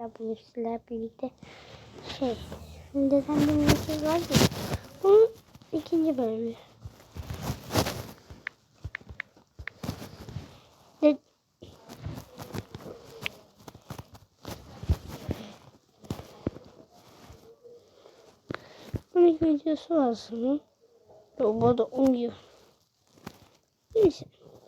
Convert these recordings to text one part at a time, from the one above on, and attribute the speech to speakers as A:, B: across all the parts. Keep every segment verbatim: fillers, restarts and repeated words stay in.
A: bugün sizlerle birlikte şey dedem bir mesaj var ya, bunun ikinci bölümü. De bunun videosu var sanırım. Bu da uyuyor. Neyse.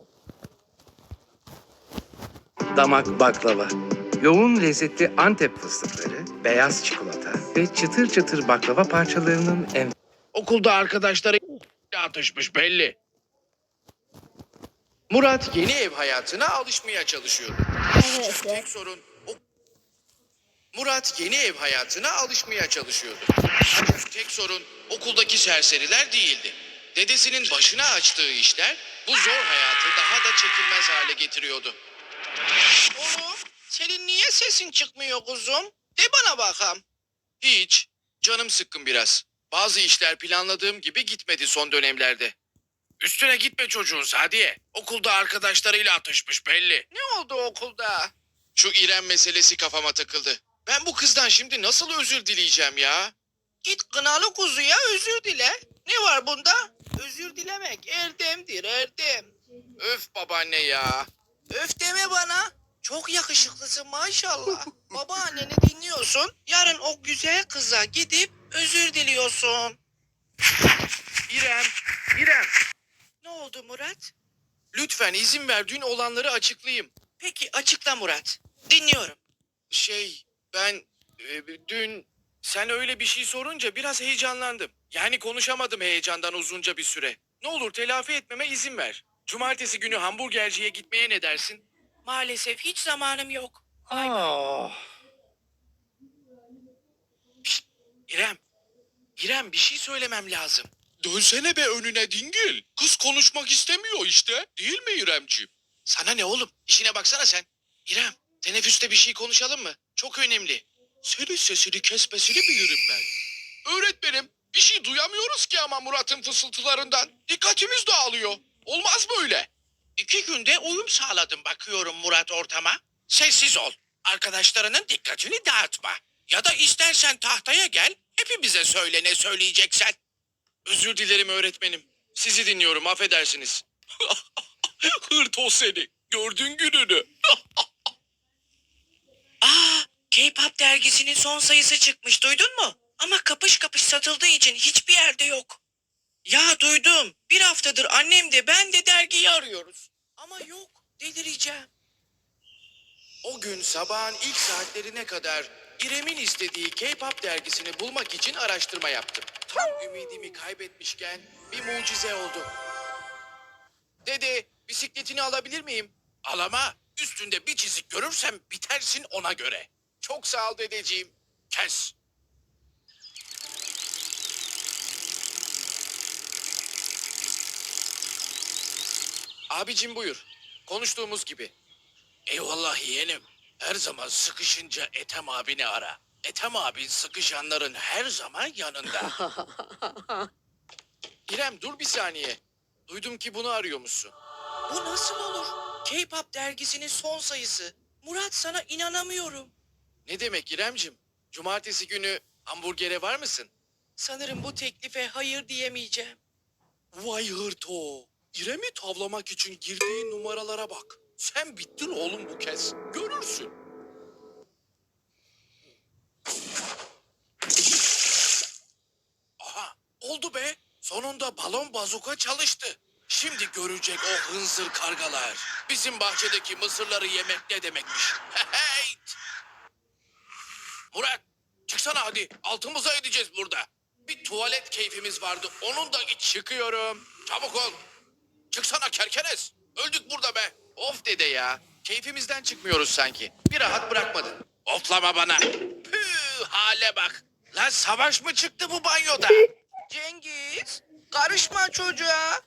B: Damak baklava. Yoğun lezzetli Antep fıstıkları, beyaz çikolata ve çıtır çıtır baklava parçalarının en...
C: Okulda arkadaşları atışmış belli. Murat yeni ev hayatına alışmaya çalışıyordu.
A: Evet.
C: Tek sorun o... Murat yeni ev hayatına alışmaya çalışıyordu. Ancak tek sorun okuldaki serseriler değildi. Dedesinin başına açtığı işler bu zor hayatı daha da çekilmez hale getiriyordu. Oğlum, senin niye sesin çıkmıyor kuzum? De bana bakalım. Hiç. Canım sıkkın biraz. Bazı işler planladığım gibi gitmedi son dönemlerde. Üstüne gitme çocuğun Sadiye. Okulda arkadaşlarıyla atışmış belli. Ne oldu okulda? Şu İrem meselesi kafama takıldı. Ben bu kızdan şimdi nasıl özür dileyeceğim ya? Git kınalı kuzuya özür dile. Ne var bunda? Özür dilemek erdemdir erdem. Öf babaanne ya. Öf deme bana. Çok yakışıklısın maşallah. Babaanneni dinliyorsun. Yarın o güzel kıza gidip özür diliyorsun. İrem, İrem. Ne oldu Murat? Lütfen izin ver dün olanları açıklayayım. Peki açıkla Murat. Dinliyorum. Şey ben e, dün sen öyle bir şey sorunca biraz heyecanlandım. Yani konuşamadım heyecandan uzunca bir süre. Ne olur telafi etmeme izin ver. Cumartesi günü hamburgerciye gitmeye ne dersin? Maalesef hiç zamanım yok. Ah. Şşt, İrem. İrem bir şey söylemem lazım. Dönsene be önüne dingil. Kız konuşmak istemiyor işte. Değil mi İremciğim? Sana ne oğlum? İşine baksana sen. İrem, teneffüste bir şey konuşalım mı? Çok önemli. Senin sesini kesmesini bilirim ben. Öğretmenim, bir şey duyamıyoruz ki ama Murat'ın fısıltılarından. Dikkatimiz dağılıyor. Olmaz böyle. İki günde uyum sağladım bakıyorum Murat ortama. Sessiz ol. Arkadaşlarının dikkatini dağıtma. Ya da istersen tahtaya gel, hepimize söyle ne söyleyeceksen. Özür dilerim öğretmenim. Sizi dinliyorum, affedersiniz. Hırt o seni. Gördün gününü. Aa, K-pop dergisinin son sayısı çıkmış, duydun mu? Ama kapış kapış satıldığı için hiçbir yerde yok. Ya duydum. Bir haftadır annem de ben de dergiyi arıyoruz. Ama yok, delireceğim. O gün sabahın ilk saatlerine kadar İrem'in istediği K-pop dergisini bulmak için araştırma yaptım. Tam ümidimi kaybetmişken bir mucize oldu. Dede, bisikletini alabilir miyim? Al ama üstünde bir çizik görürsem bitersin ona göre. Çok sağ ol dedeciğim. Kes. Abicim buyur. Konuştuğumuz gibi. Eyvallah yeğenim. Her zaman sıkışınca Ethem abini ara. Ethem abi sıkışanların her zaman yanında. İrem dur bir saniye. Duydum ki bunu arıyormuşsun. Bu nasıl olur? K-pop dergisinin son sayısı. Murat sana inanamıyorum. Ne demek İremcim? Cumartesi günü hamburgere var mısın? Sanırım bu teklife hayır diyemeyeceğim. Vay hırto. İrem'i tavlamak için girdiği numaralara bak. Sen bittin oğlum bu kez. Görürsün. Aha oldu be. Sonunda balon bazuka çalıştı. Şimdi görecek o hınzır kargalar. Bizim bahçedeki mısırları yemek ne demekmiş. Hey! Murat çıksana hadi. Altımıza edeceğiz burada. Bir tuvalet keyfimiz vardı. Onun da iç çıkıyorum. Çabuk ol. Çıksana kerkenes. Öldük burada be. Of dede ya. Keyfimizden çıkmıyoruz sanki. Bir rahat bırakmadın. Oflama bana. Püh hale bak. Lan savaş mı çıktı bu banyoda? Cengiz karışma çocuğa.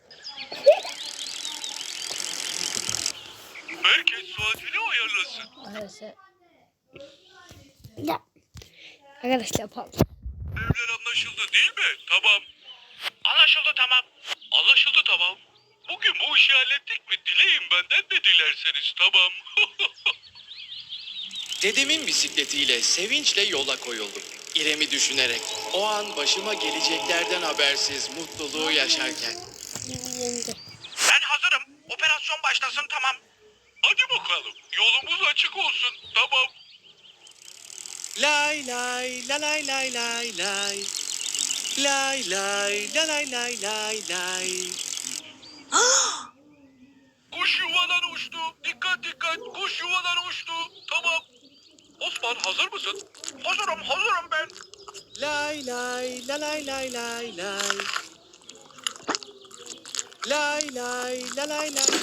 D: Herkes saatini ayarlasın.
A: Arkadaşlar. Ya. Arkadaşlar pardon.
D: Evler anlaşıldı değil mi? Tamam. Anlaşıldı tamam. Anlaşıldı tamam. Bugün bu işi hallettik mi? Dileyin benden de dilerseniz tamam.
C: Dedemin bisikletiyle sevinçle yola koyuldum. İrem'i düşünerek. O an başıma geleceklerden habersiz mutluluğu yaşarken.
A: Yendi.
D: Ben hazırım. Operasyon başlasın tamam. Hadi bakalım. Yolumuz açık olsun. Tamam.
C: Lay lay la lay lay lay lay. Lay lay la lay lay lay lay.
D: Kuş yuvadan uçtu. Dikkat dikkat. Kuş yuvadan uçtu. Tamam. Osman hazır mısın? Hazırım hazırım ben.
C: Lay lay la lay lay lay lay. Lay lay la lay lay.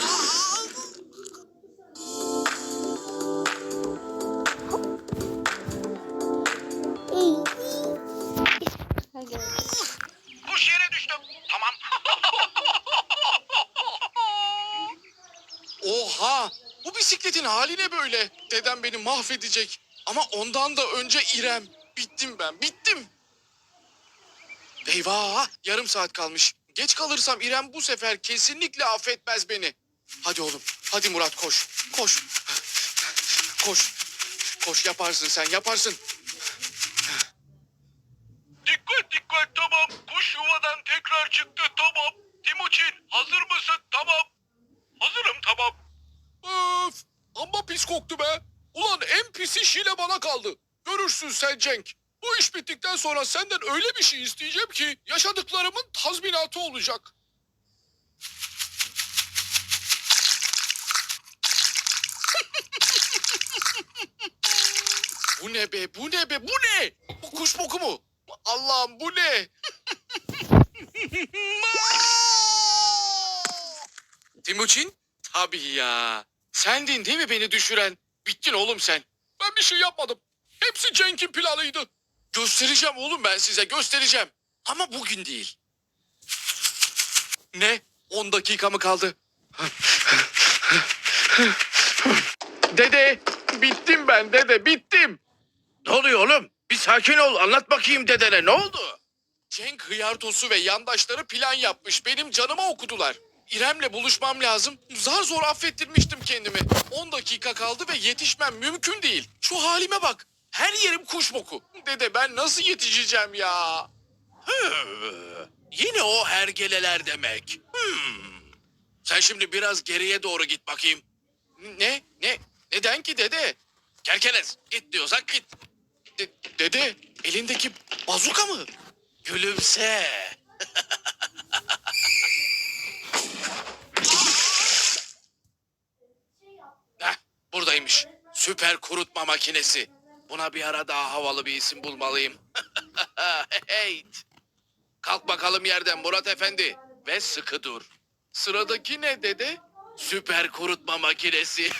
A: Hadi.
D: Kuş yere düştü. Tamam.
C: Oha! Bu bisikletin hali ne böyle? Dedem beni mahvedecek. Ama ondan da önce İrem. Bittim ben, bittim. Eyvah! Yarım saat kalmış. Geç kalırsam İrem bu sefer kesinlikle affetmez beni. Hadi oğlum, hadi Murat koş. Koş. Koş. Koş yaparsın sen, yaparsın.
D: Dikkat dikkat tamam. Kuş yuvadan tekrar çıktı tamam. Timuçin hazır mısın? Tamam. Hazırım tamam.
C: Öf! Amma pis koktu be. Ulan en pis iş yine bana kaldı. Görürsün sen Cenk. Bu iş bittikten sonra senden öyle bir şey isteyeceğim ki yaşadıklarımın tazminatı olacak. Bu ne be, bu ne be, bu ne? Bu kuş boku mu? Allah'ım bu ne? Timuçin? Tabii ya. Sendin değil mi beni düşüren? Bittin oğlum sen. Ben bir şey yapmadım. Hepsi Cenk'in planıydı. Göstereceğim oğlum ben size göstereceğim. Ama bugün değil. Ne? On dakika mı kaldı? Dede, bittim ben dede, bittim.
B: Ne oluyor oğlum? Bir sakin ol. Anlat bakayım dedene. Ne oldu?
C: Cenk hıyartosu ve yandaşları plan yapmış. Benim canıma okudular. İrem'le buluşmam lazım. Zar zor affettirmiştim kendimi. On dakika kaldı ve yetişmem mümkün değil. Şu halime bak. Her yerim kuş boku. Dede ben nasıl yetişeceğim ya?
B: Hı, yine o hergeleler demek. Hmm. Sen şimdi biraz geriye doğru git bakayım.
C: Ne? Ne? Neden ki dede?
B: Kerkenes git diyorsak git.
C: De- dede elindeki bazuka mı?
B: Gülümse. Heh, buradaymış. Süper kurutma makinesi. Buna bir ara daha havalı bir isim bulmalıyım. Hey. Kalk bakalım yerden Murat Efendi. Ve sıkı dur.
C: Sıradaki ne dede?
B: Süper kurutma makinesi.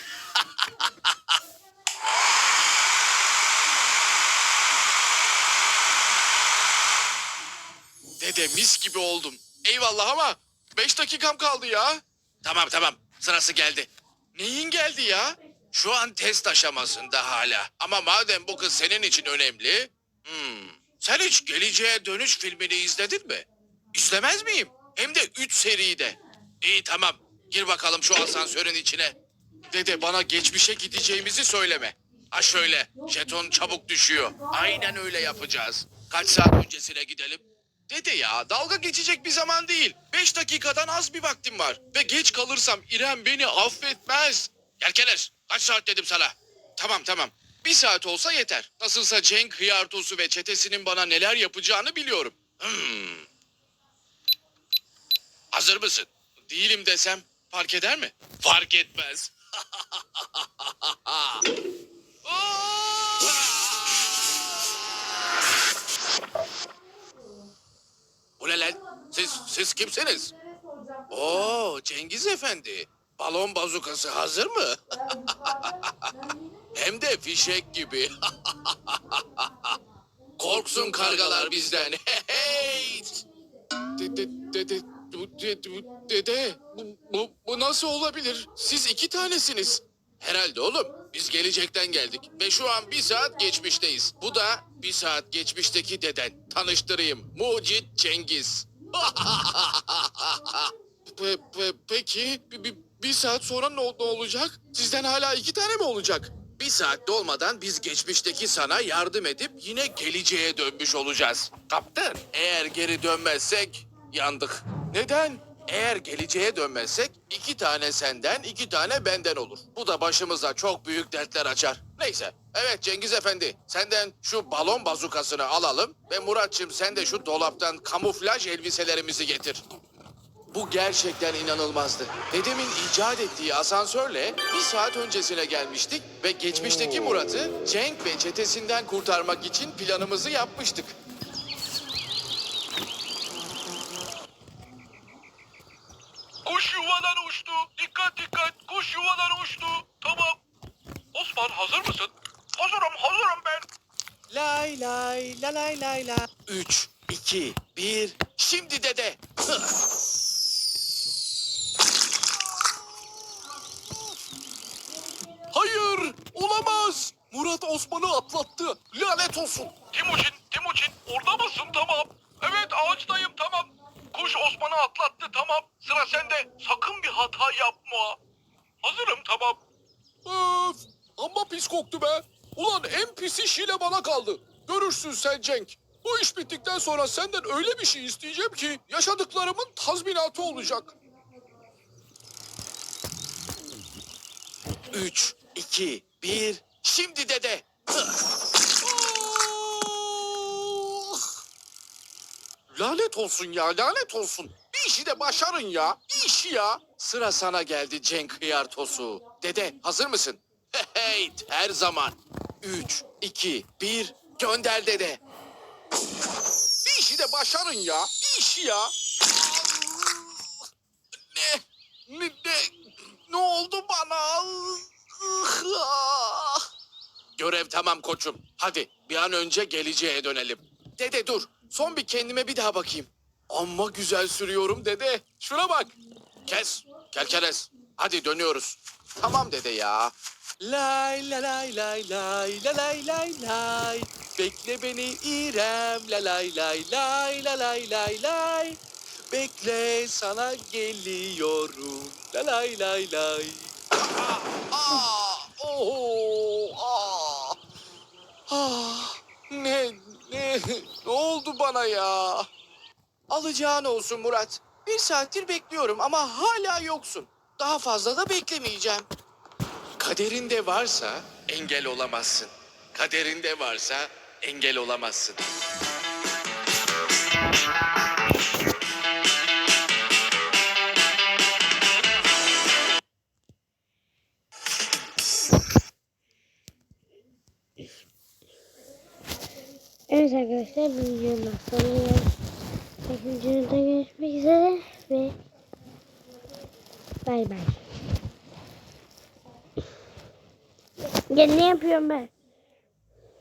C: Dede mis gibi oldum. Eyvallah ama beş dakikam kaldı ya.
B: Tamam tamam sırası geldi.
C: Neyin geldi ya?
B: Şu an test aşamasında hala. Ama madem bu kız senin için önemli... Hmm, sen hiç Geleceğe Dönüş filmini izledin mi?
C: İstemez miyim? Hem de üç seride.
B: İyi tamam. Gir bakalım şu asansörün içine.
C: Dede bana geçmişe gideceğimizi söyleme.
B: Ha şöyle, jeton çabuk düşüyor. Aynen öyle yapacağız. Kaç saat öncesine gidelim?
C: Dede ya dalga geçecek bir zaman değil. Beş dakikadan az bir vaktim var. Ve geç kalırsam İrem beni affetmez.
B: Yerkeler, kaç saat dedim sana?
C: Tamam tamam. Bir saat olsa yeter. Nasılsa Cenk Hıyartosu ve çetesinin bana neler yapacağını biliyorum.
B: Hmm. Hazır mısın?
C: Değilim desem fark eder mi?
B: Fark etmez. Bu ne lan? Siz, siz kimsiniz? Oo, Cengiz Efendi. Balon bazukası hazır mı? Hem de fişek gibi. Korksun kargalar bizden. Hey!
C: Dede, dede, bu- dede, bu- dede, bu, bu, bu nasıl olabilir? Siz iki tanesiniz.
B: Herhalde oğlum. Biz gelecekten geldik ve şu an bir saat geçmişteyiz. Bu da bir saat geçmişteki deden. Tanıştırayım. Mucit Cengiz.
C: Pe- pe- peki bir, bir, bir saat sonra ne, ne olacak? Sizden hala iki tane mi olacak?
B: Bir saat dolmadan biz geçmişteki sana yardım edip yine geleceğe dönmüş olacağız. Kaptan, eğer geri dönmezsek yandık. Neden? Eğer geleceğe dönmezsek iki tane senden, iki tane benden olur. Bu da başımıza çok büyük dertler açar. Neyse. Evet Cengiz Efendi, senden şu balon bazukasını alalım ve Muratçım sen de şu dolaptan kamuflaj elbiselerimizi getir. Bu gerçekten inanılmazdı. Dedemin icat ettiği asansörle bir saat öncesine gelmiştik ve geçmişteki Murat'ı Cenk ve çetesinden kurtarmak için planımızı yapmıştık.
D: Kuş yuvadan uçtu. Dikkat dikkat. Kuş yuvadan uçtu. Tamam. Osman hazır mısın? Hazırım hazırım ben.
B: Lay lay la lay lay la. Üç, iki, bir. Şimdi dede. Hayır, olamaz. Murat Osman'ı atlattı. Lanet olsun.
D: Timuçin, Timuçin orada mısın? Tamam. Evet ağaçtayım tamam. Kuş Osman'ı atlattı tamam. Sıra sende. Sakın bir hata yapma. Hazırım tamam.
B: Öf, amma pis koktu be. Ulan en pis iş yine bana kaldı. Görürsün sen Cenk. Bu iş bittikten sonra senden öyle bir şey isteyeceğim ki yaşadıklarımın tazminatı olacak. Üç, iki, bir. Şimdi dede. Lanet olsun ya, lanet olsun. Bir işi de başarın ya, bir işi ya. Sıra sana geldi Cenk Hıyartosu. Dede, hazır mısın? Hey, her zaman. Üç, iki, bir, gönder dede. Bir işi de başarın ya, bir işi ya. Ne, ne, ne, ne oldu bana? Görev tamam koçum. Hadi bir an önce geleceğe dönelim. Dede dur. Son bir kendime bir daha bakayım. Amma güzel sürüyorum dede. Şuna bak. Kes. Kerkenes. Hadi dönüyoruz. Tamam dede ya. Lay la lay lay lay la lay lay lay. Bekle beni İrem la lay lay lay la lay lay lay. Bekle sana geliyorum la lay lay lay. Aa, aa, oh, aa. Ah, ne, ne, ne oldu bana ya? Alacağın olsun Murat. Bir saattir bekliyorum ama hala yoksun. Daha fazla da beklemeyeceğim. Kaderinde varsa engel olamazsın. Kaderinde varsa engel olamazsın.
A: Evet arkadaşlar, bu videonun sonuna geldik. İkinci videoda görüşmek üzere ve bay bay. Ya ne yapıyorum ben?